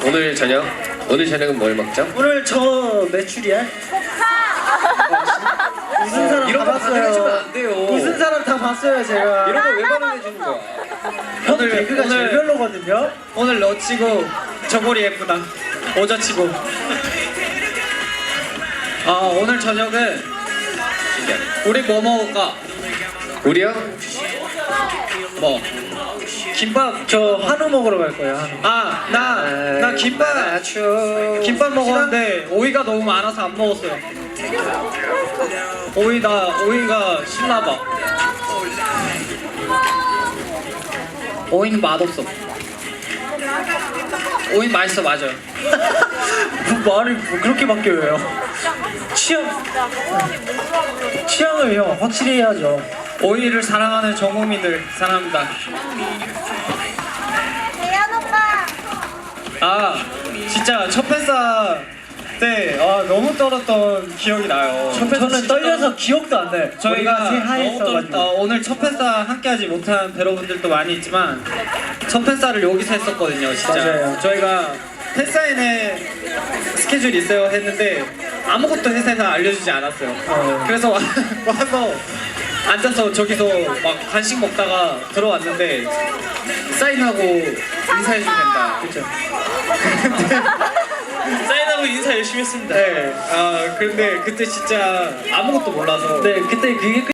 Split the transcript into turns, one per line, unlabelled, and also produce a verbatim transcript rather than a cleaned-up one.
오늘 저녁? 오늘 저녁은 뭘 먹죠?
오늘 저 메추리알? 무슨 사람
이런
다
거 반응해주면
봤어요.
안 돼요.
무슨 사람 다 봤어요 제가.
이런 거 왜 반응해주는 거야?
형 개그가 제일 별로거든요.
오늘 너 치고 저고리 예쁘다. 오자 치고. 아 오늘 저녁은 우리 뭐 먹을까?
우리요?
뭐? 김밥.
저 한우 먹으러 갈 거예요. 한우.
아 나 나 김밥 김밥 먹었는데 오이가 너무 많아서 안 먹었어요. 오이가 오이가 신나봐. 오이는 맛없어. 오이 맛있어 맞아요.
뭐 말이 뭐 그렇게 바뀌어요? 취향 취향을 형 확실히 해야죠.
오이를 사랑하는 전 국민들 사랑합니다.
대현 오빠.
아 진짜 첫 팬싸 때 아, 너무 떨었던 기억이 나요. 첫 팬싸
저는
진짜
떨려서 기억도 안 나요.
저희가
머리가
너무
새하얘서가지고.
떨었다. 오늘 첫 팬싸 함께하지 못한 배러분들도 많이 있지만 첫 팬싸를 여기서 했었거든요. 진짜
맞아요.
저희가 팬사인회 스케줄 있어요 했는데 아무것도 회사에서 알려주지 않았어요.
어.
그래서 와- 와서 앉아서 저기서 막 간식 먹다가 들어왔는데 사인하고 인사해주면 된다.
그쵸.
사인하고 인사 열심히 했습니다. 네. 아 근데 그때 진짜 아무것도 몰라서.
네 그때 그게